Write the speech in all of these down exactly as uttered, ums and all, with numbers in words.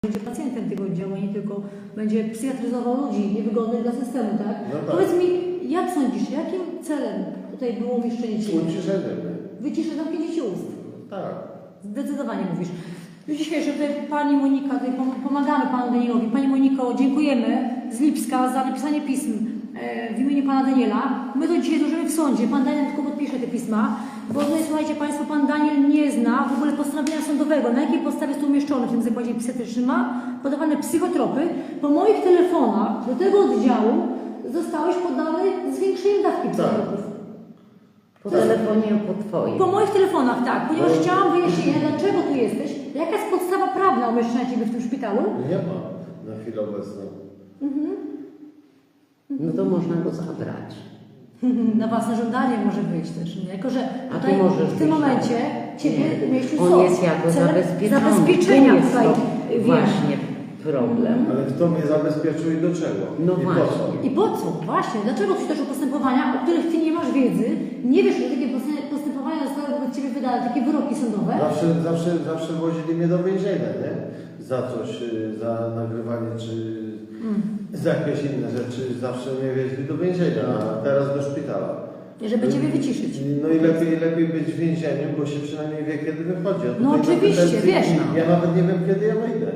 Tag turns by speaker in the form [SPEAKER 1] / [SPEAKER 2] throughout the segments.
[SPEAKER 1] będzie pacjentem tego oddziału, nie tylko będzie psychiatryzował ludzi niewygodnych dla systemu, tak?
[SPEAKER 2] No tak.
[SPEAKER 1] Powiedz mi, jak sądzisz, jakim celem tutaj było umieszczenie Ciebie?
[SPEAKER 2] Uciszenie.
[SPEAKER 1] Wyciszę, zamknięcie Ci ust.
[SPEAKER 2] Tak.
[SPEAKER 1] Zdecydowanie mówisz. Już dzisiejsze tutaj Pani Monika, tutaj pomagamy Panu Danielowi. Pani Moniko, dziękujemy z Lipska za napisanie pism e, w imieniu Pana Daniela. My to dzisiaj złożymy w sądzie. Pan Daniel tylko podpisze te pisma, bo tutaj, słuchajcie Państwo, Pan Daniel nie zna w ogóle postanowienia sądowego, na jakiej podstawie jest to umieszczone w tym zakładzie psychiatrycznym. Ma podawane psychotropy. Po moich telefonach do tego oddziału zostałeś poddany zwiększeniem dawki psychotropów.
[SPEAKER 3] Po telefonie, po Twoim.
[SPEAKER 1] Po moich telefonach, tak, ponieważ
[SPEAKER 2] No.
[SPEAKER 1] chciałam wyjaśnienia, dlaczego tu jesteś, jaka jest podstawa prawna umieszczenia Ciebie w tym szpitalu.
[SPEAKER 2] Nie ma na chwilę obecną.
[SPEAKER 1] Mhm.
[SPEAKER 3] No to można go zabrać.
[SPEAKER 1] Na własne żądanie może wyjść też, nie? Jako że
[SPEAKER 3] A
[SPEAKER 1] tutaj
[SPEAKER 3] ty możesz
[SPEAKER 1] w tym
[SPEAKER 3] wyjść.
[SPEAKER 1] momencie Ciebie
[SPEAKER 3] Nie.
[SPEAKER 1] umieścił
[SPEAKER 3] On
[SPEAKER 1] sąd.
[SPEAKER 3] jest jako
[SPEAKER 1] celem
[SPEAKER 3] zabezpieczony.
[SPEAKER 1] zabezpieczenia
[SPEAKER 3] Tu jest
[SPEAKER 1] tutaj,
[SPEAKER 3] to
[SPEAKER 1] wiem.
[SPEAKER 3] właśnie problem.
[SPEAKER 2] Ale kto mnie zabezpieczył i do czego?
[SPEAKER 3] No
[SPEAKER 2] I
[SPEAKER 3] właśnie.
[SPEAKER 2] po co?
[SPEAKER 1] I po co? Właśnie, dlaczego ci toczą postępowania, o których Ty nie masz wiedzy, nie wiesz, że takie postępowania zostały wobec Ciebie wydane, takie wyroki sądowe?
[SPEAKER 2] Zawsze, zawsze, zawsze wozili mnie do więzienia, nie? Za coś, y, za nagrywanie czy
[SPEAKER 1] Mm.
[SPEAKER 2] za jakieś inne rzeczy. Zawsze mnie wieźli do więzienia, a teraz do szpitala.
[SPEAKER 1] I żeby Ciebie wyciszyć.
[SPEAKER 2] No i lepiej, lepiej być w więzieniu, bo się przynajmniej wie, kiedy wychodzi. A
[SPEAKER 1] No
[SPEAKER 2] tutaj
[SPEAKER 1] oczywiście,
[SPEAKER 2] kompetencji
[SPEAKER 1] wiesz, no.
[SPEAKER 2] Ja nawet nie wiem, kiedy ja wyjdę.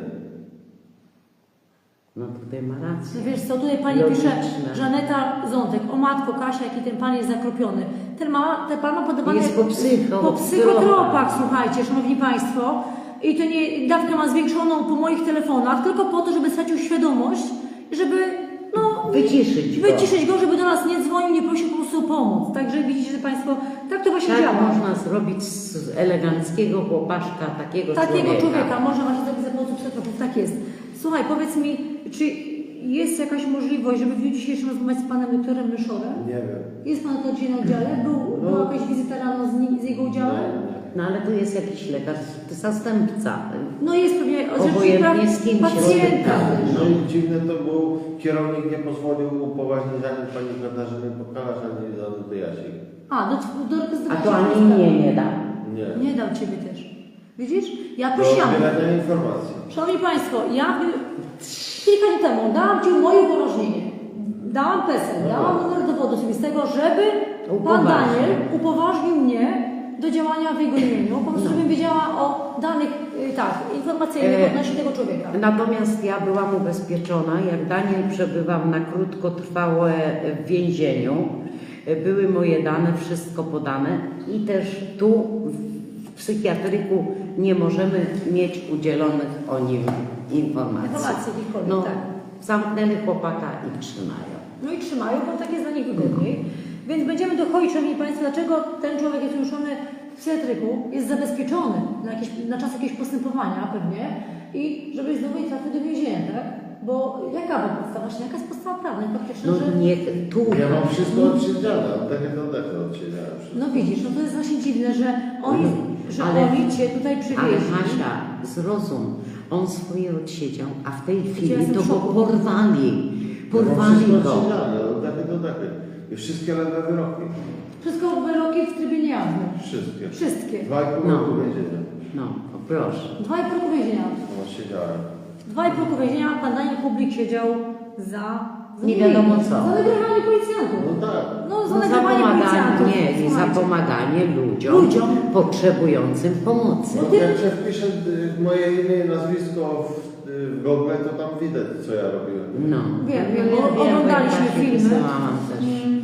[SPEAKER 3] No tutaj ma rację.
[SPEAKER 1] No wiesz co, tutaj Pani
[SPEAKER 3] Logiczne.
[SPEAKER 1] pisze, Żaneta Zątek, o matko Kasia, jaki ten Pan jest zakropiony. Ten, ma, ten Pan ma podawany
[SPEAKER 3] Jest po psycho-
[SPEAKER 1] po psychotropach, słuchajcie, Szanowni Państwo. I to nie, dawkę ma zwiększoną po moich telefonach, tylko po to, żeby stracił świadomość, żeby no,
[SPEAKER 3] Wyciszyć go.
[SPEAKER 1] wyciszyć go, żeby do nas nie dzwonił, nie prosił po prostu o pomoc. Także widzicie, że Państwo, tak to właśnie
[SPEAKER 3] Tak
[SPEAKER 1] działa.
[SPEAKER 3] można zrobić z eleganckiego chłopaszka, takiego,
[SPEAKER 1] Takiego człowieka.
[SPEAKER 3] człowieka.
[SPEAKER 1] Można właśnie zrobić za pomocą psychotropów, tak jest. Słuchaj, powiedz mi, czy jest jakaś możliwość, żeby w dniu dzisiejszym rozmawiać z Panem doktorem Myszorem?
[SPEAKER 2] Nie wiem.
[SPEAKER 1] Jest Pan to dzisiaj na oddziale? Był,
[SPEAKER 2] No.
[SPEAKER 1] była jakaś wizyta rano z, nim, z jego udziałem?
[SPEAKER 2] Nie,
[SPEAKER 3] No ale tu jest jakiś lekarz, zastępca.
[SPEAKER 1] No jest pewnie
[SPEAKER 3] Obojętnie
[SPEAKER 1] praw
[SPEAKER 3] z kim się
[SPEAKER 1] pacjenta.
[SPEAKER 3] spotyka.
[SPEAKER 1] też.
[SPEAKER 2] No i dziwne to było, kierownik nie pozwolił upoważnić ani pani Katarzyny Pokalasz, ani Danuty Jasik.
[SPEAKER 1] A, do, do, do, do
[SPEAKER 3] A to ani mnie nie da.
[SPEAKER 2] Nie.
[SPEAKER 1] Nie dał Ciebie też. Widzisz? Ja
[SPEAKER 2] Do
[SPEAKER 1] prosiłam.
[SPEAKER 2] zbierania informacji.
[SPEAKER 1] Szanowni Państwo, ja kilka dni temu dałam Ci moje upoważnienie. Dałam PESEL, dałam numer dowodu osobistego, żeby Pan
[SPEAKER 3] Upoważnił.
[SPEAKER 1] Daniel upoważnił mnie do działania w jego imieniu. Po prostu,
[SPEAKER 3] No.
[SPEAKER 1] żebym wiedziała o danych, y, tak, informacyjnych
[SPEAKER 3] E,
[SPEAKER 1] odnośnie tego człowieka.
[SPEAKER 3] Natomiast ja byłam ubezpieczona, jak Daniel przebywał na krótkotrwałe w więzieniu. Były moje dane, wszystko podane i też tu w psychiatryku nie możemy mieć udzielonych o nim informacji.
[SPEAKER 1] Informacji jakichkolwiek,
[SPEAKER 3] No,
[SPEAKER 1] tak.
[SPEAKER 3] zamknęli chłopaka i trzymają.
[SPEAKER 1] No i trzymają, bo tak jest dla nich wygodniej. Więc będziemy dochodzić, Szanowni Państwo, dlaczego ten człowiek jest umieszczony w psychiatryku, jest zabezpieczony na, jakieś, na czas jakiegoś postępowania pewnie i żeby znowu nie trafił do więzienia, tak? Bo jaka była podstawa, właśnie jaka jest podstawa prawna i faktyczna,
[SPEAKER 3] No
[SPEAKER 1] że...
[SPEAKER 3] nie tu.
[SPEAKER 2] Ja mam wszystko odsiedziane, od tego do tego odsiedziałem wszystko.
[SPEAKER 1] No widzisz, no to jest właśnie dziwne, że oni, że
[SPEAKER 3] Ale-
[SPEAKER 1] oni Cię tutaj
[SPEAKER 3] Ale
[SPEAKER 1] przywieźli.
[SPEAKER 3] Hasia, zrozum, on swoje odsiedział, a w tej
[SPEAKER 1] Ja
[SPEAKER 3] chwili
[SPEAKER 1] jestem
[SPEAKER 3] to
[SPEAKER 1] w
[SPEAKER 3] go
[SPEAKER 1] szoku.
[SPEAKER 3] porwali.
[SPEAKER 2] Ja mam
[SPEAKER 3] Porwali
[SPEAKER 2] wszystko
[SPEAKER 3] go.
[SPEAKER 2] odsiedziane, od tego do tego. I wszystkie lewe wyroki.
[SPEAKER 1] Wszystko wyroki w trybie niejawnym.
[SPEAKER 2] Wszystkie.
[SPEAKER 1] Wszystkie.
[SPEAKER 2] Dwa i pół
[SPEAKER 3] No.
[SPEAKER 2] roku więzienia.
[SPEAKER 3] No, o proszę.
[SPEAKER 1] Dwa i pół roku więzienia.
[SPEAKER 2] Odsiedziałem.
[SPEAKER 1] Dwa i pół roku więzienia pan Daniel Kublik siedział za... za
[SPEAKER 3] Nie wiadomo co.
[SPEAKER 1] Za nagrywanie policjantów.
[SPEAKER 2] No tak.
[SPEAKER 1] No, za
[SPEAKER 3] No, za
[SPEAKER 1] nagrywanie policjantów.
[SPEAKER 3] pomaganie, nie, za
[SPEAKER 1] Słuchajcie.
[SPEAKER 3] pomaganie ludziom,
[SPEAKER 1] Ludziom.
[SPEAKER 3] potrzebującym pomocy.
[SPEAKER 2] No, jak się wpiszę y, moje imię i nazwisko w, y, w Google, to tam widać, co ja robiłem.
[SPEAKER 3] No.
[SPEAKER 1] Wiem,
[SPEAKER 3] No,
[SPEAKER 1] wiem,
[SPEAKER 3] ja
[SPEAKER 1] bo
[SPEAKER 3] wiem,
[SPEAKER 1] oglądaliśmy
[SPEAKER 3] bo ja
[SPEAKER 1] filmy.
[SPEAKER 3] pisałam też.
[SPEAKER 1] Mm.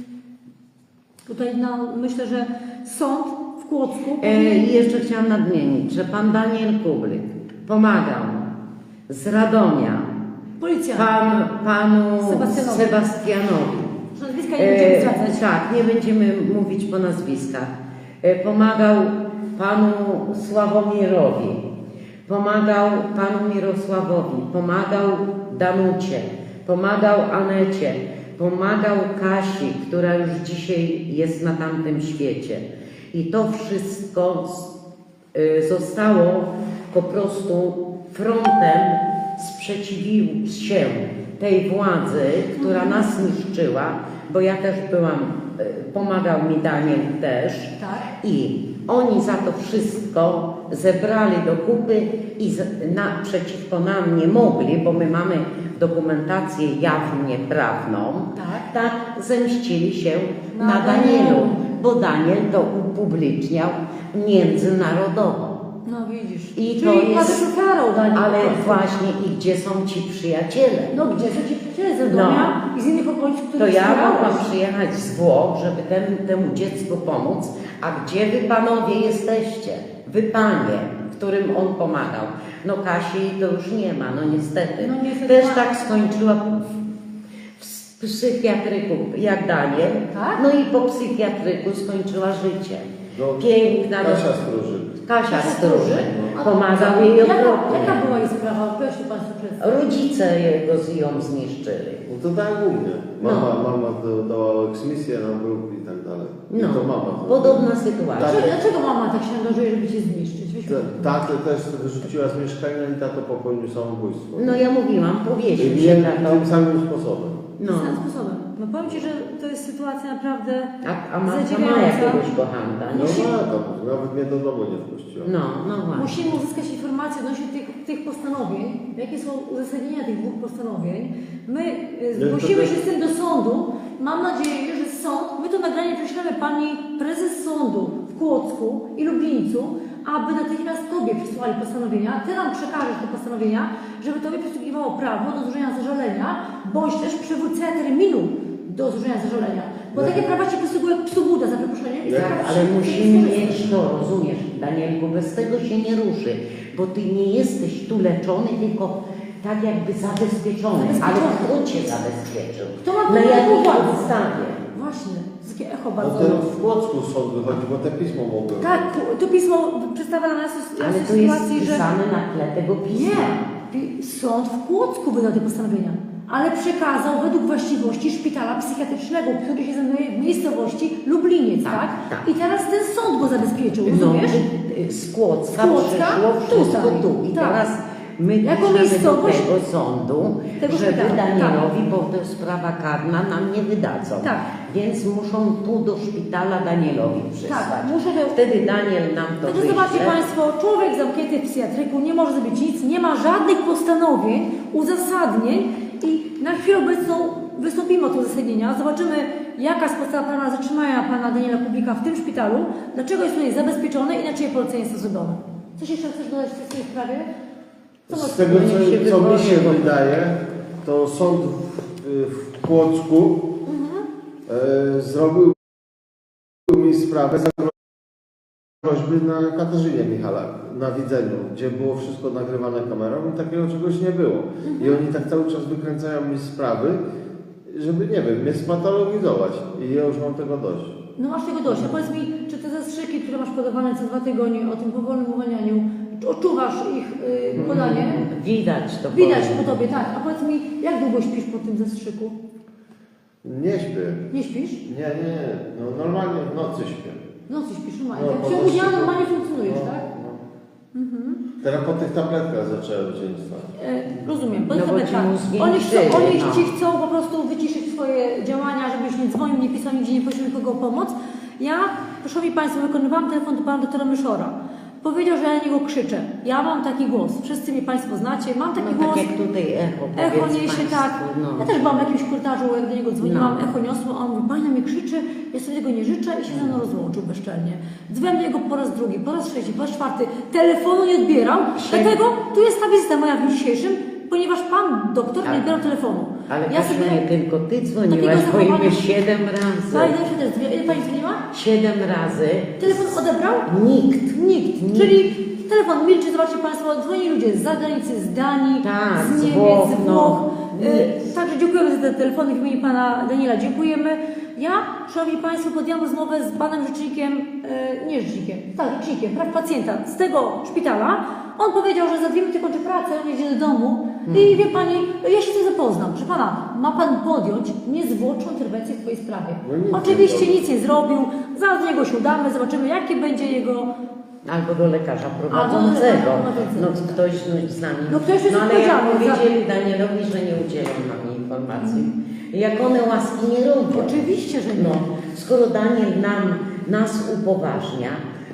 [SPEAKER 1] Tutaj no, myślę, że sąd w Kłodzku...
[SPEAKER 3] E, I jeszcze chciałam nadmienić, że pan Daniel Kublik pomagał z Radomia
[SPEAKER 1] Policjant.
[SPEAKER 3] pan, panu
[SPEAKER 1] Sebastianowi.
[SPEAKER 3] Sebastianowi.
[SPEAKER 1] Nazwiska nie będziemy
[SPEAKER 3] E,
[SPEAKER 1] zwracać.
[SPEAKER 3] tak, nie będziemy mówić po nazwiskach. E, pomagał panu Sławomirowi, pomagał panu Mirosławowi, pomagał Danucie, pomagał Anecie, pomagał Kasi, która już dzisiaj jest na tamtym świecie. I to wszystko y, zostało po prostu frontem, sprzeciwił się tej władzy, która nas niszczyła, bo ja też byłam, y, pomagał mi Daniel też
[SPEAKER 1] Tak.
[SPEAKER 3] i Oni za to wszystko zebrali do kupy i z, na, przeciwko nam nie mogli, bo my mamy dokumentację jawnie prawną,
[SPEAKER 1] Tak.
[SPEAKER 3] tak zemścili się
[SPEAKER 1] Na
[SPEAKER 3] na, Danielu,
[SPEAKER 1] Danielu.
[SPEAKER 3] bo Daniel to upubliczniał międzynarodowo.
[SPEAKER 1] No widzisz.
[SPEAKER 3] I
[SPEAKER 1] Czyli
[SPEAKER 3] to jest,
[SPEAKER 1] padł karą Daniel.
[SPEAKER 3] ale
[SPEAKER 1] po prostu.
[SPEAKER 3] właśnie i gdzie są ci przyjaciele?
[SPEAKER 1] No gdzie są ci przyjaciele z Radomia i z innych okolic,
[SPEAKER 3] To
[SPEAKER 1] które
[SPEAKER 3] ja
[SPEAKER 1] wspierałeś?
[SPEAKER 3] mogłam przyjechać z Włoch, żeby temu, temu dziecku pomóc, a gdzie wy panowie jesteście? Wy panie, którym on pomagał. No Kasi to już nie ma, no niestety.
[SPEAKER 1] No niestety
[SPEAKER 3] Też
[SPEAKER 1] ma-
[SPEAKER 3] tak skończyła w, w psychiatryku jak Daniel,
[SPEAKER 1] Tak?
[SPEAKER 3] no i po psychiatryku skończyła życie.
[SPEAKER 2] No,
[SPEAKER 3] Piękna
[SPEAKER 2] Kasia
[SPEAKER 3] roz-
[SPEAKER 2] Stróży.
[SPEAKER 3] Kasia Stróży.
[SPEAKER 1] A-
[SPEAKER 3] Pomagał jej
[SPEAKER 1] Jaka,
[SPEAKER 3] okropnie.
[SPEAKER 1] jaka była jej sprawa? Proszę Państwa przedstawić.
[SPEAKER 3] Rodzice jego z ją zniszczyli.
[SPEAKER 2] No to tak u mnie. Mama,
[SPEAKER 3] No.
[SPEAKER 2] mama do- dała eksmisję na bruk i tak dalej. I
[SPEAKER 3] No,
[SPEAKER 2] to mama. to-
[SPEAKER 3] podobna sytuacja.
[SPEAKER 1] Dlaczego, dlaczego mama tak się angażuje, żeby Cię zniszczyć? Weź
[SPEAKER 2] Ta- Tatę też wyrzuciła z mieszkania i tato popełnił samobójstwo.
[SPEAKER 3] No ja mówiłam,
[SPEAKER 2] I
[SPEAKER 3] powiesił się
[SPEAKER 2] wiem,
[SPEAKER 3] na to.
[SPEAKER 2] tym samym sposobem.
[SPEAKER 3] No.
[SPEAKER 1] Tym sposobem. No powiem Ci, że to jest sytuacja naprawdę
[SPEAKER 3] A, a matka ma
[SPEAKER 1] zadziwiająca.
[SPEAKER 3] jakiegoś kochanka,
[SPEAKER 2] No
[SPEAKER 3] nie?
[SPEAKER 2] ma to, nawet mnie do domu nie wpuściła.
[SPEAKER 3] No, no właśnie.
[SPEAKER 1] Musimy uzyskać informacje odnośnie tych, tych postanowień, jakie są uzasadnienia tych dwóch postanowień. My y,
[SPEAKER 2] No,
[SPEAKER 1] zgłosimy
[SPEAKER 2] to-
[SPEAKER 1] się z tym do sądu. Mam nadzieję, że sąd, my to nagranie prześlemy pani prezes sądu w Kłodzku i Lublińcu, aby natychmiast Tobie przysłali postanowienia. Ty nam przekażesz te postanowienia, żeby Tobie przysługiwało prawo do złożenia zażalenia, bądź też przywrócenia terminu do złożenia zażalenia. Bo
[SPEAKER 2] No.
[SPEAKER 1] takie prawa Ci przysługuje przysługuda za przeproszenie. i
[SPEAKER 2] Tak,
[SPEAKER 1] prawa
[SPEAKER 3] Ale
[SPEAKER 1] się-
[SPEAKER 3] musimy
[SPEAKER 1] się
[SPEAKER 3] mieć to, rozumiesz, Danielku, bez tego się nie ruszy, bo ty nie jesteś tu leczony, tylko tak jakby zabezpieczony. Ale
[SPEAKER 1] Zabezpieczony.
[SPEAKER 3] kto cię zabezpieczył?
[SPEAKER 1] Kto ma
[SPEAKER 3] Na
[SPEAKER 1] pełną
[SPEAKER 3] jakiej
[SPEAKER 1] władzę?
[SPEAKER 3] podstawie?
[SPEAKER 1] Właśnie, takie echo
[SPEAKER 2] No
[SPEAKER 1] bardzo.
[SPEAKER 2] ten w Płocku sąd wychodzi, bo te pismo mogły.
[SPEAKER 1] Tak, to pismo przedstawia na nas
[SPEAKER 3] Ale
[SPEAKER 1] nas
[SPEAKER 3] to jest
[SPEAKER 1] sytuację, że
[SPEAKER 3] pisane na tle tego pisma.
[SPEAKER 1] nie, pi- sąd w Kłodzku wydał te postanowienia, ale przekazał według właściwości szpitala psychiatrycznego, który się znajduje w miejscowości Lubliniec, tak?
[SPEAKER 3] Tak, tak.
[SPEAKER 1] I teraz ten sąd go zabezpieczył,
[SPEAKER 3] No,
[SPEAKER 1] rozumiesz?
[SPEAKER 3] y, y, z Kłodzka
[SPEAKER 1] Z Kłodzka
[SPEAKER 3] przyszło wszystko
[SPEAKER 1] tutaj.
[SPEAKER 3] tu. I
[SPEAKER 1] Tak.
[SPEAKER 3] teraz my
[SPEAKER 1] Jako
[SPEAKER 3] piszemy do
[SPEAKER 1] miejscowość-
[SPEAKER 3] tego sądu,
[SPEAKER 1] Tego
[SPEAKER 3] żeby
[SPEAKER 1] szpitala,
[SPEAKER 3] Danielowi, bo to jest sprawa karna, nam nie wydadzą.
[SPEAKER 1] Tak.
[SPEAKER 3] Więc muszą tu do szpitala Danielowi przysłać.
[SPEAKER 1] Tak, muszę to...
[SPEAKER 3] Wtedy Daniel nam to
[SPEAKER 1] Także zobaczcie
[SPEAKER 3] wyśle.
[SPEAKER 1] Państwo, człowiek zamknięty w psychiatryku nie może zrobić nic, nie ma żadnych postanowień, uzasadnień i na chwilę obecną wystąpimy od uzasadnienia, zobaczymy jaka jest podstawa prawna zatrzymania Pana Daniela Kubika w tym szpitalu, dlaczego jest tutaj zabezpieczony i na czyje polecenie jest to zrobione. Coś jeszcze chcesz dodać w tej sprawie? Co
[SPEAKER 2] Z
[SPEAKER 1] możesz
[SPEAKER 2] tego,
[SPEAKER 1] powiedzieć?
[SPEAKER 3] się
[SPEAKER 2] co, co mi się
[SPEAKER 3] wypowie.
[SPEAKER 2] wydaje, to sąd w, w Kłodzku e, zrobił mi sprawę za groźby na Katarzynie Michalak, na widzeniu, gdzie było wszystko nagrywane kamerą i takiego czegoś nie było. I oni tak cały czas wykręcają mi sprawy, żeby, nie wiem, mnie spatologizować. I ja już mam tego dość.
[SPEAKER 1] No masz tego dość. A powiedz mi, czy te zastrzyki, które masz podawane co dwa tygodnie o tym powolnym uwalnianiu, czy odczuwasz ich y, podanie?
[SPEAKER 3] Widać to.
[SPEAKER 1] Widać
[SPEAKER 3] powiem.
[SPEAKER 1] po Tobie, tak. A powiedz mi, jak długo śpisz po tym zastrzyku?
[SPEAKER 2] Nie śpię.
[SPEAKER 1] Nie śpisz?
[SPEAKER 2] Nie, nie, nie. No, normalnie w nocy śpię.
[SPEAKER 1] W nocy śpisz, normalnie.
[SPEAKER 2] No,
[SPEAKER 1] Tak,
[SPEAKER 2] po
[SPEAKER 1] w ciągu
[SPEAKER 2] prostu-
[SPEAKER 1] dnia normalnie funkcjonujesz,
[SPEAKER 2] No,
[SPEAKER 1] tak?
[SPEAKER 2] no. Teraz po tych tabletkach zacząłem dzień stać.
[SPEAKER 1] E, rozumiem, bo
[SPEAKER 3] No
[SPEAKER 1] no
[SPEAKER 3] bo
[SPEAKER 1] tak.
[SPEAKER 3] ci mózgi
[SPEAKER 1] Oni,
[SPEAKER 3] nie
[SPEAKER 1] chcą,
[SPEAKER 3] przyjdzie,
[SPEAKER 1] oni
[SPEAKER 3] no.
[SPEAKER 1] ci chcą po prostu wyciszyć swoje działania, żebyś nie dzwonił, nie pisał, nigdzie nie prosił nikogo o pomoc. Ja, proszę mi Państwo, wykonywałam telefon do Pana doktora Myszora. Powiedział, że ja na niego krzyczę. Ja mam taki głos. Wszyscy mnie Państwo znacie. Mam taki
[SPEAKER 3] No,
[SPEAKER 1] głos.
[SPEAKER 3] tak jak tutaj echo,
[SPEAKER 1] Echo
[SPEAKER 3] powiedz
[SPEAKER 1] niesie,
[SPEAKER 3] państwu,
[SPEAKER 1] tak.
[SPEAKER 3] no.
[SPEAKER 1] Ja też byłam w jakimś korytarzu, jak do niego dzwoniłam,
[SPEAKER 3] No.
[SPEAKER 1] echo niosło, a on mówi, Pani na mnie krzyczy, ja sobie tego nie życzę i się ze mną rozłączył bezczelnie. Dzwonię do niego po raz drugi, po raz trzeci, po raz czwarty, telefonu nie odbierał,
[SPEAKER 3] Siedem.
[SPEAKER 1] dlatego tu jest ta wizyta moja w dniu dzisiejszym, ponieważ Pan doktor nie
[SPEAKER 3] Ale-
[SPEAKER 1] odbierał telefonu.
[SPEAKER 3] Ale
[SPEAKER 1] ja
[SPEAKER 3] Kasiu, nie tylko ty dzwoniłaś,
[SPEAKER 1] Takiego
[SPEAKER 3] bo i my
[SPEAKER 1] zachowania-
[SPEAKER 3] siedem razy.
[SPEAKER 1] Pani się też dzwoni- ile Pani dzwoniła?
[SPEAKER 3] Siedem razy.
[SPEAKER 1] Telefon odebrał?
[SPEAKER 3] Nikt.
[SPEAKER 1] Nikt.
[SPEAKER 3] Nikt.
[SPEAKER 1] Czyli telefon milczy, zobaczcie Państwo, dzwoni ludzie z zagranicy, z Danii,
[SPEAKER 3] Tak,
[SPEAKER 1] z
[SPEAKER 3] z
[SPEAKER 1] Niemiec,
[SPEAKER 3] Włoch,
[SPEAKER 1] z
[SPEAKER 3] no.
[SPEAKER 1] Włoch.
[SPEAKER 3] Nie.
[SPEAKER 1] Y, Także dziękujemy za te telefony w imieniu Pana Daniela, dziękujemy. Ja, Szanowni Państwo, podjęłam rozmowę z Panem Rzecznikiem, y, nie Rzecznikiem, tak, Rzecznikiem praw pacjenta z tego szpitala. On powiedział, że za dwie minuty kończy pracę, on jedzie do domu i wie Pani, ja się z tym zapoznam. Proszę Pana, ma Pan podjąć niezwłoczną interwencję w Twojej sprawie.
[SPEAKER 2] No nic nie
[SPEAKER 1] Oczywiście
[SPEAKER 2] zrobił.
[SPEAKER 1] nic nie zrobił, zaraz do niego się udamy, zobaczymy jakie będzie jego...
[SPEAKER 3] Albo do lekarza
[SPEAKER 1] Albo do
[SPEAKER 3] prowadzącego.
[SPEAKER 1] lekarza prowadzącego.
[SPEAKER 3] No ktoś no, z nami.
[SPEAKER 1] No ktoś jest
[SPEAKER 3] no ale jak
[SPEAKER 1] odpowiedzialny za-
[SPEAKER 3] powiedzieli Danielowi, że nie udzielą nam informacji. Jak one łaski nie robią.
[SPEAKER 1] Oczywiście, że nie.
[SPEAKER 3] No, skoro Daniel nam, nas upoważnia,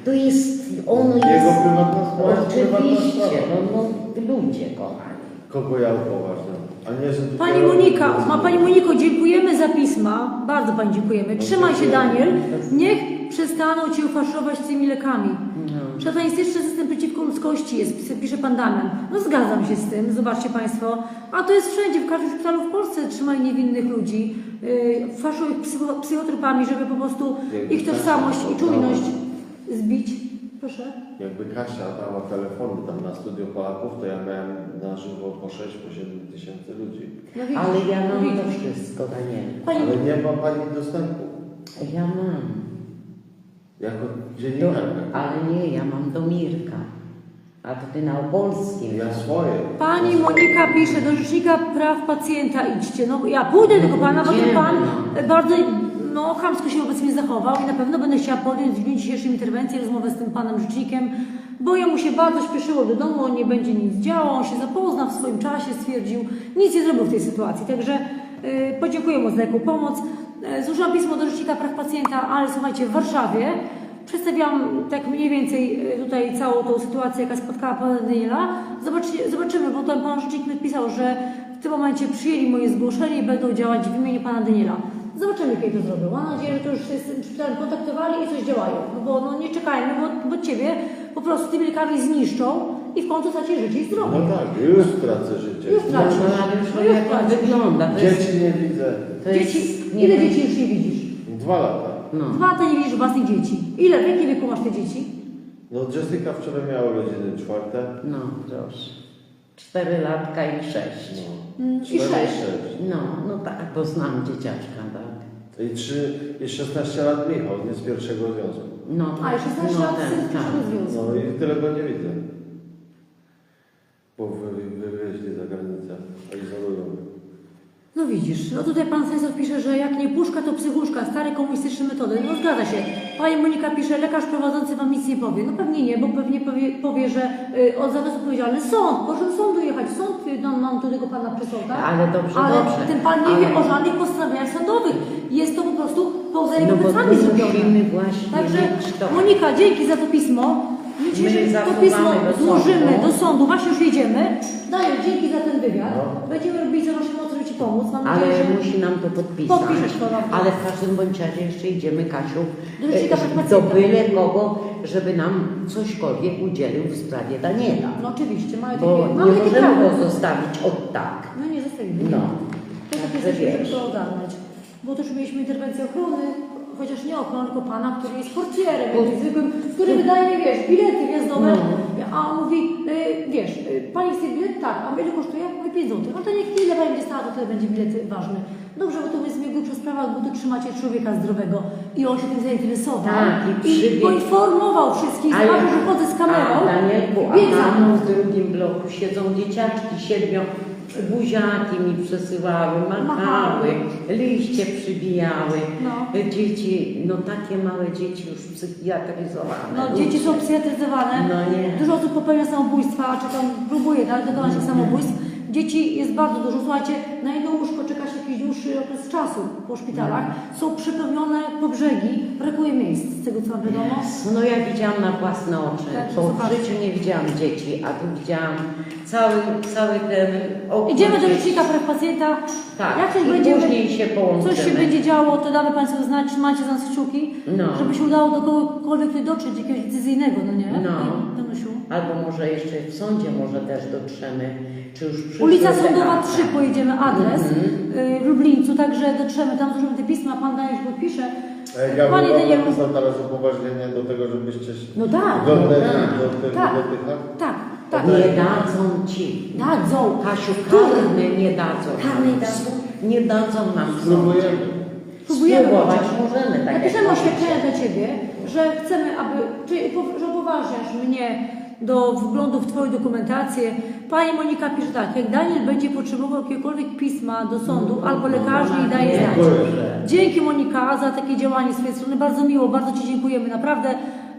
[SPEAKER 3] To jest, on
[SPEAKER 2] Jego
[SPEAKER 3] jest...
[SPEAKER 2] prywatna sprawa jest prywatna
[SPEAKER 3] Oczywiście,
[SPEAKER 2] sprawa.
[SPEAKER 3] no, no ludzie kochani.
[SPEAKER 2] Kogo ja upoważniam? A nie, że tu
[SPEAKER 1] Pani
[SPEAKER 2] kierownik
[SPEAKER 1] Monika,
[SPEAKER 2] decyduje.
[SPEAKER 1] ma Pani Moniko, dziękujemy za pisma. Bardzo Pani dziękujemy. Trzymaj się, Daniel. Niech przestaną Cię faszować tymi lekami.
[SPEAKER 3] No.
[SPEAKER 1] Szatanistyczny system przeciwko ludzkości jest, pisze Pan Damian. No zgadzam się z tym, zobaczcie Państwo. A to jest wszędzie, w każdym szpitalu w Polsce trzymają niewinnych ludzi. Yy, faszują ich psycho, psychotropami, żeby po prostu
[SPEAKER 2] Jakby
[SPEAKER 1] ich tożsamość
[SPEAKER 2] Kasia
[SPEAKER 1] i czujność zbić. Proszę.
[SPEAKER 2] Jakby Kasia dała telefony tam na Studio Polaków, to ja miałem na żywo po sześć, po siedem tysięcy ludzi.
[SPEAKER 1] No widzisz,
[SPEAKER 3] Ale ja
[SPEAKER 1] no
[SPEAKER 3] mam
[SPEAKER 1] widzisz.
[SPEAKER 3] to wszystko, Daniel.
[SPEAKER 1] Pani,
[SPEAKER 2] Ale nie ma Pani dostępu.
[SPEAKER 3] Ja mam.
[SPEAKER 2] Jako
[SPEAKER 3] Do,
[SPEAKER 2] dziennikarka.
[SPEAKER 3] ale nie, ja mam do Mirka. A to ty na opolskim.
[SPEAKER 2] Ja swoje.
[SPEAKER 1] Pani Monika pisze, do Rzecznika Praw Pacjenta idźcie. No ja pójdę do tego Pana, bo ten
[SPEAKER 3] Idziemy,
[SPEAKER 1] Pan
[SPEAKER 3] no.
[SPEAKER 1] bardzo no, chamsko się wobec mnie zachował i na pewno będę chciała podjąć w dniu dzisiejszym interwencję, rozmowę z tym Panem Rzecznikiem, bo jemu się bardzo śpieszyło do domu, on nie będzie nic działał, on się zapozna w swoim czasie, stwierdził, nic nie zrobił w tej sytuacji. Także yy, podziękuję mu za taką pomoc. Yy, złożyłam pismo do Rzecznika Praw Pacjenta, ale słuchajcie, w Warszawie przedstawiam tak mniej więcej y, tutaj całą tą sytuację, jaka spotkała Pana Daniela. Zobaczy, zobaczymy, bo tam Pan Rzecznik napisał, że w tym momencie przyjęli moje zgłoszenie i będą działać w imieniu Pana Daniela. Zobaczymy, kiedy to zrobią. Mam nadzieję, że to już się z tym szpitalem kontaktowali i coś działają. No bo no, nie czekajmy, bo, bo Ciebie po prostu tymi lekami zniszczą i w końcu stracisz życie i zdrowie.
[SPEAKER 2] No tak, już tracę życie.
[SPEAKER 1] Już
[SPEAKER 3] No,
[SPEAKER 1] tracisz.
[SPEAKER 3] no, ale już
[SPEAKER 1] No,
[SPEAKER 3] no,
[SPEAKER 1] już
[SPEAKER 3] jak to
[SPEAKER 1] tracisz.
[SPEAKER 3] wygląda. To jest,
[SPEAKER 2] Dzieci nie widzę.
[SPEAKER 3] to jest,
[SPEAKER 1] Dzieci,
[SPEAKER 3] nie
[SPEAKER 1] ile
[SPEAKER 3] wiem.
[SPEAKER 1] dzieci już nie widzisz?
[SPEAKER 2] Dwa lata.
[SPEAKER 3] No.
[SPEAKER 1] Dwa lata nie widzisz własnych dzieci. Ile? W jakim wieku masz te dzieci?
[SPEAKER 2] No Jessica wczoraj miała urodziny czwarte.
[SPEAKER 3] No, proszę. Cztery latka i sześć.
[SPEAKER 2] No.
[SPEAKER 1] Mm, I
[SPEAKER 2] Cztery
[SPEAKER 1] sześć.
[SPEAKER 3] No, no tak, bo znam dzieciaczka, tak.
[SPEAKER 2] I trzy, i szesnaście lat Michał, nie z pierwszego związku.
[SPEAKER 3] No,
[SPEAKER 1] A, i szesnaście
[SPEAKER 3] no,
[SPEAKER 1] lat
[SPEAKER 3] ten,
[SPEAKER 1] syn
[SPEAKER 3] tak.
[SPEAKER 1] przyszedł z związku.
[SPEAKER 2] No i tyle go nie widzę. Bo wy, wywieźli za granicę, a izolują.
[SPEAKER 1] No widzisz, no tutaj pan Stanisław pisze, że jak nie puszka, to psychuszka, stare komunistyczne metody. No zgadza się. Pani Monika pisze, lekarz prowadzący wam nic nie powie. No pewnie nie, bo pewnie powie, powie że y, od za to jest odpowiedzialny sąd. Proszę do sądu jechać. Sąd y, nam, nam do tego pana przysłał, tak?
[SPEAKER 3] Ale dobrze,
[SPEAKER 1] Ale
[SPEAKER 3] dobrze.
[SPEAKER 1] ten pan nie
[SPEAKER 3] Ale-
[SPEAKER 1] wie o żadnych postanowieniach sądowych. Jest to po prostu poza jego
[SPEAKER 3] No bo
[SPEAKER 1] plecami
[SPEAKER 3] tu
[SPEAKER 1] zrobione.
[SPEAKER 3] musimy właśnie
[SPEAKER 1] Także
[SPEAKER 3] mieć to.
[SPEAKER 1] Monika, dzięki za to pismo. My dzisiaj,
[SPEAKER 3] My
[SPEAKER 1] że to
[SPEAKER 3] zasuwamy
[SPEAKER 1] pismo
[SPEAKER 3] do sądu.
[SPEAKER 1] złożymy do sądu, właśnie już jedziemy. Daniel, dzięki za ten wywiad.
[SPEAKER 2] No.
[SPEAKER 1] Będziemy robili co naszej mocy, żeby Ci pomóc. Mam
[SPEAKER 3] Ale
[SPEAKER 1] nadzieję, że...
[SPEAKER 3] musi nam to podpisać.
[SPEAKER 1] Podpiszesz to nam.
[SPEAKER 3] Ale w każdym bądź razie jeszcze idziemy, Kasiu,
[SPEAKER 1] Do rzecznika
[SPEAKER 3] e,
[SPEAKER 1] praw
[SPEAKER 3] do
[SPEAKER 1] pacjenta.
[SPEAKER 3] byle kogo, żeby nam cośkolwiek udzielił w sprawie Daniela.
[SPEAKER 1] No oczywiście, mamy
[SPEAKER 3] Bo
[SPEAKER 1] takie,
[SPEAKER 3] nie
[SPEAKER 1] mamy takie
[SPEAKER 3] możemy
[SPEAKER 1] prawo.
[SPEAKER 3] go zostawić od tak.
[SPEAKER 1] No nie zostawimy.
[SPEAKER 3] No.
[SPEAKER 1] To tak
[SPEAKER 3] Także
[SPEAKER 1] jesteśmy, żeby
[SPEAKER 3] wiesz.
[SPEAKER 1] to ogarnąć. Bo też mieliśmy interwencję ochrony, chociaż nie ochrony, tylko pana, który jest portierem,
[SPEAKER 3] Bo-
[SPEAKER 1] jakimś zwykłym, który wydaje, wiesz, bilety wjazdowe.
[SPEAKER 3] No.
[SPEAKER 1] A on mówi, y, wiesz, y, pani chce bilet? Tak. A ile kosztuje? Mówi pięć złotych. No to niech ile pani będzie stała, to tyle będzie bilet ważny. Dobrze, bo to jest mnie grubsza sprawa, bo tu trzymacie człowieka zdrowego i on się tym zainteresował.
[SPEAKER 3] Tak, i
[SPEAKER 1] i
[SPEAKER 3] przybiegł.
[SPEAKER 1] poinformował wszystkich,
[SPEAKER 3] Ale-
[SPEAKER 1] zobaczył, że chodzę z kamerą.
[SPEAKER 3] A Danielku, a
[SPEAKER 1] biegł za
[SPEAKER 3] tam
[SPEAKER 1] mną.
[SPEAKER 3] w drugim bloku siedzą dzieciaczki siedmiu, buziaki mi przesyłały, machały,
[SPEAKER 1] Machały.
[SPEAKER 3] liście przybijały.
[SPEAKER 1] No.
[SPEAKER 3] Dzieci, no takie małe dzieci już psychiatryzowane.
[SPEAKER 1] No, dzieci są psychiatryzowane.
[SPEAKER 3] No nie.
[SPEAKER 1] Dużo osób popełnia samobójstwa, czy tam próbuje nawet dokonać tych samobójstw. Dzieci jest bardzo dużo. Słuchajcie, na jedno łóżko czeka się jakiś dłuższy okres czasu po szpitalach. Są przepełnione po brzegi, brakuje miejsc, z tego co mam wiadomo.
[SPEAKER 3] No ja widziałam na własne oczy,
[SPEAKER 1] Tak,
[SPEAKER 3] bo w
[SPEAKER 1] zobaczcie.
[SPEAKER 3] życiu nie widziałam dzieci, a tu widziałam cały, cały ten okres.
[SPEAKER 1] Idziemy do Rzecznika Praw Pacjenta.
[SPEAKER 3] Tak,
[SPEAKER 1] Jak coś
[SPEAKER 3] i
[SPEAKER 1] będzie,
[SPEAKER 3] później się połączymy.
[SPEAKER 1] coś się będzie działo, to damy Państwu znać, trzymajcie za nas kciuki,
[SPEAKER 3] No.
[SPEAKER 1] żeby się udało do kogokolwiek tutaj dotrzeć, jakiegoś decyzyjnego, no nie?
[SPEAKER 3] No.
[SPEAKER 1] Danusiu.
[SPEAKER 3] Albo może jeszcze w sądzie może też dotrzemy, czy już przyszły
[SPEAKER 1] Ulica
[SPEAKER 3] te
[SPEAKER 1] Sądowa
[SPEAKER 3] akta.
[SPEAKER 1] trzy pojedziemy adres
[SPEAKER 3] Mhm.
[SPEAKER 1] y, w Lublińcu, także dotrzemy tam, złożymy te pisma, Pan Daniel już podpisze.
[SPEAKER 2] E, Ja
[SPEAKER 1] Panie
[SPEAKER 2] bym wam
[SPEAKER 1] Danielu,
[SPEAKER 2] napisał teraz upoważnienie do tego, żebyście
[SPEAKER 1] no tak,
[SPEAKER 2] godne
[SPEAKER 3] no tak,
[SPEAKER 2] do tych
[SPEAKER 1] tak.
[SPEAKER 2] do tych akt.
[SPEAKER 1] tak, tak.
[SPEAKER 3] Nie dadzą ci.
[SPEAKER 1] Dadzą.
[SPEAKER 3] Kasiu,
[SPEAKER 1] Który?
[SPEAKER 3] karny nie dadzą.
[SPEAKER 1] Karny
[SPEAKER 3] nam.
[SPEAKER 1] dadzą.
[SPEAKER 3] Nie dadzą nam w sądzie.
[SPEAKER 2] Spróbujemy.
[SPEAKER 1] Próbujemy
[SPEAKER 3] Spróbować
[SPEAKER 1] chociaż.
[SPEAKER 3] możemy, tak
[SPEAKER 1] Napiszemy
[SPEAKER 3] jak
[SPEAKER 1] oświadczenie
[SPEAKER 3] mówicie.
[SPEAKER 1] dla Ciebie, że chcemy, aby, czyli upo- że upoważniasz mnie do wglądu w Twoją dokumentację. Pani Monika pisze tak, jak Daniel będzie potrzebował jakiegokolwiek pisma do sądu albo lekarzy i daje znać.
[SPEAKER 2] Dziękuję.
[SPEAKER 1] Dzięki Monika za takie działanie z Twojej strony, bardzo miło, bardzo Ci dziękujemy, naprawdę.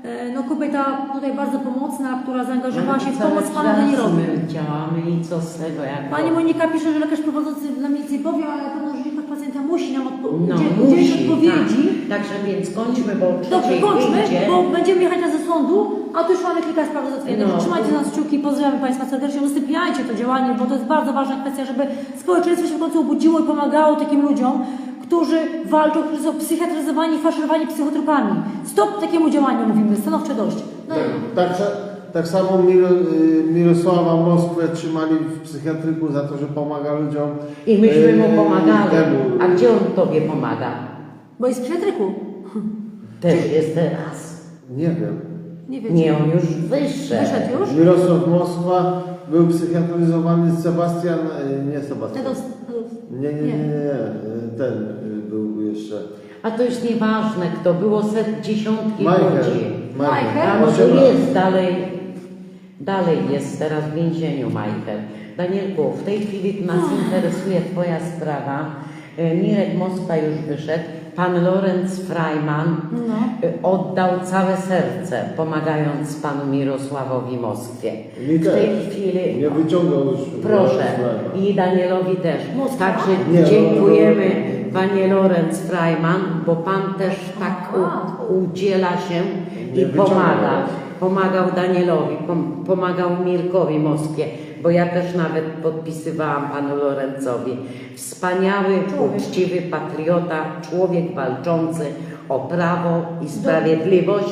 [SPEAKER 1] E, No kobieta tutaj bardzo pomocna, która zaangażowała się w
[SPEAKER 3] Cały
[SPEAKER 1] pomoc panu
[SPEAKER 3] czas
[SPEAKER 1] Danielowi.
[SPEAKER 3] my działamy i co z tego, jak
[SPEAKER 1] Pani Monika pisze, że lekarz prowadzący na milicji powie, ale na pewno rzecznik praw pacjenta musi nam odpo-
[SPEAKER 3] no,
[SPEAKER 1] udzielić
[SPEAKER 3] musi,
[SPEAKER 1] odpowiedzi.
[SPEAKER 3] tak. Także więc kończmy, bo o
[SPEAKER 1] Dobrze,
[SPEAKER 3] trzeciej
[SPEAKER 1] kończmy,
[SPEAKER 3] wyjdzie.
[SPEAKER 1] bo będziemy jechać na ze sądu, a tu już mamy kilka spraw do załatwienia.
[SPEAKER 3] No.
[SPEAKER 1] Trzymajcie nas kciuki, pozdrawiam Państwa serdecznie, udostępniajcie to działanie, bo to jest bardzo ważna kwestia, żeby społeczeństwo się w końcu obudziło i pomagało takim ludziom, którzy walczą, którzy są psychiatryzowani, faszerowani psychotropami. Stop takiemu działaniu, mówimy, stanowcze dość. No,
[SPEAKER 2] Tak, tak, tak samo Mir, y, Mirosława Moskwę trzymali w psychiatryku za to, że pomaga ludziom.
[SPEAKER 3] I myśmy mu
[SPEAKER 2] y,
[SPEAKER 3] pomagali.
[SPEAKER 2] temu.
[SPEAKER 3] A gdzie on tobie pomaga?
[SPEAKER 1] bo jest w psychiatryku.
[SPEAKER 3] Też jest teraz.
[SPEAKER 2] Nie wiem.
[SPEAKER 1] Nie wiecie.
[SPEAKER 3] Nie, on już wyższy.
[SPEAKER 1] Wyszedł już?
[SPEAKER 2] Mirosław Moskwa był psychiatryzowany, Sebastian, y, nie Sebastian.
[SPEAKER 1] Tedos,
[SPEAKER 2] Nie, nie, nie, nie, nie. y, ten y, był jeszcze.
[SPEAKER 3] A to jest nieważne, kto było set dziesiątki
[SPEAKER 2] Michael.
[SPEAKER 3] ludzi.
[SPEAKER 1] Michael?
[SPEAKER 3] A może
[SPEAKER 2] Osiem lat.
[SPEAKER 3] jest dalej, dalej jest teraz w więzieniu Michael. Danielku, w tej chwili nas interesuje Twoja sprawa. E, Mirek Moskwa już wyszedł. Pan Lorenz Freiman
[SPEAKER 1] No.
[SPEAKER 3] e, oddał całe serce, pomagając panu Mirosławowi Moskwie.
[SPEAKER 2] Mi
[SPEAKER 3] W
[SPEAKER 2] też.
[SPEAKER 3] tej chwili
[SPEAKER 2] Nie wyciągał już.
[SPEAKER 3] proszę
[SPEAKER 2] Freiman.
[SPEAKER 3] i Danielowi też.
[SPEAKER 1] Moskwa?
[SPEAKER 3] Także
[SPEAKER 2] Nie, no,
[SPEAKER 3] dziękujemy Panie Lorenz Freiman, bo Pan też tak
[SPEAKER 1] Aha.
[SPEAKER 3] u, udziela się
[SPEAKER 2] Nie
[SPEAKER 3] i pomaga.
[SPEAKER 2] wyciągał.
[SPEAKER 3] Pomagał Danielowi, pom, pomagał Mirkowi Moskwie, bo ja też nawet podpisywałam Panu Lorenzowi. Wspaniały, uczciwy patriota, człowiek walczący o prawo i sprawiedliwość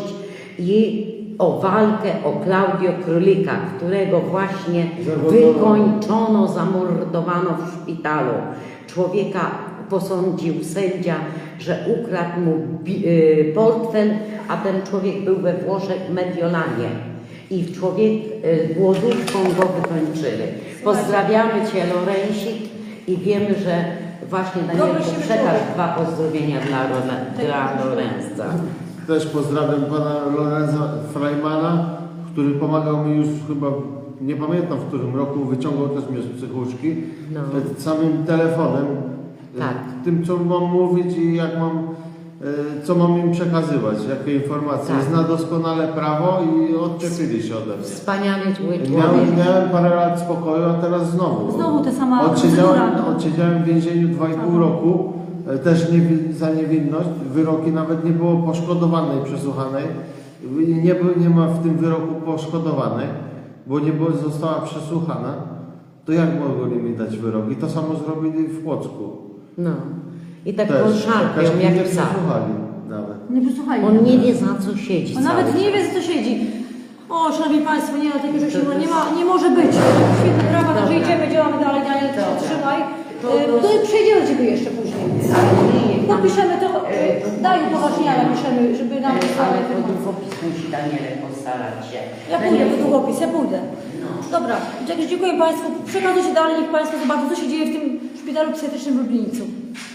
[SPEAKER 3] i o walkę o Klaudio Królika, którego właśnie
[SPEAKER 2] Zamordowano.
[SPEAKER 3] wykończono, zamordowano w szpitalu. Człowieka posądził sędzia, że ukradł mu bi- y, portfel, a ten człowiek był we Włoszech w Mediolanie. I człowiek y, głodówką go wykończyli. Pozdrawiamy Cię, Lorensik, i wiemy, że właśnie Danielku
[SPEAKER 1] Dobry się
[SPEAKER 3] przekaż
[SPEAKER 1] człowiek.
[SPEAKER 3] dwa pozdrowienia dla, Rona- dla Lorenza.
[SPEAKER 2] Też pozdrawiam pana Lorenza Freimana, który pomagał mi już chyba, nie pamiętam w którym roku, wyciągał też mnie z psychuszki.
[SPEAKER 3] No.
[SPEAKER 2] Przed samym telefonem.
[SPEAKER 3] Tak.
[SPEAKER 2] e, Tym, co mam mówić i jak mam, e, co mam im przekazywać, jakie informacje.
[SPEAKER 3] Tak.
[SPEAKER 2] Zna doskonale prawo i odczepili się ode mnie.
[SPEAKER 3] Wspaniały człowiek.
[SPEAKER 2] Miałem, miałem parę lat spokoju, a teraz znowu.
[SPEAKER 1] Znowu ta sama
[SPEAKER 2] Odsiedziałem,
[SPEAKER 1] procedura.
[SPEAKER 2] odsiedziałem w więzieniu dwa i pół roku, e, też nie, za niewinność. Wyroki nawet nie było poszkodowanej przesłuchanej. I Nie, był- nie ma w tym wyroku poszkodowanej, bo nie było, została przesłuchana. To jak mogli mi dać wyrok? I to samo zrobili w Płocku.
[SPEAKER 3] No. I tak
[SPEAKER 2] Też.
[SPEAKER 3] go szarpią,
[SPEAKER 2] Też mnie
[SPEAKER 3] jak
[SPEAKER 2] nie
[SPEAKER 3] psa.
[SPEAKER 2] przesłuchali nawet.
[SPEAKER 1] Nie posłuchajcie.
[SPEAKER 3] On nie wie, za co siedzi.
[SPEAKER 1] On nawet
[SPEAKER 3] cały
[SPEAKER 1] nie wie,
[SPEAKER 3] czas.
[SPEAKER 1] co siedzi. O, szanowni Państwo, nie ma takiego rzeczy, bo nie, ma, nie może być. Świetne prawa, także
[SPEAKER 3] Dobra.
[SPEAKER 1] idziemy, działamy dalej, Daniel,
[SPEAKER 3] Dobra.
[SPEAKER 1] trzymaj.
[SPEAKER 3] To
[SPEAKER 1] E,
[SPEAKER 3] roz-
[SPEAKER 1] To przejdziemy do Ciebie jeszcze później.
[SPEAKER 3] Ale nie, nie, tam-
[SPEAKER 1] Podpiszemy to,
[SPEAKER 3] e, to-
[SPEAKER 1] daj upoważnienia, napiszemy, żeby nam
[SPEAKER 3] Ale
[SPEAKER 1] wysłali
[SPEAKER 3] po
[SPEAKER 1] informacje.
[SPEAKER 3] długopis musi Danielek postarać się.
[SPEAKER 1] Ja pójdę po
[SPEAKER 3] Danielku,
[SPEAKER 1] długopis, ja pójdę.
[SPEAKER 3] No.
[SPEAKER 1] Dobra, także dziękuję Państwu. Przekazujcie dalej, niech Państwo zobaczą, co się dzieje w tym szpitalu psychiatrycznym w Lublińcu.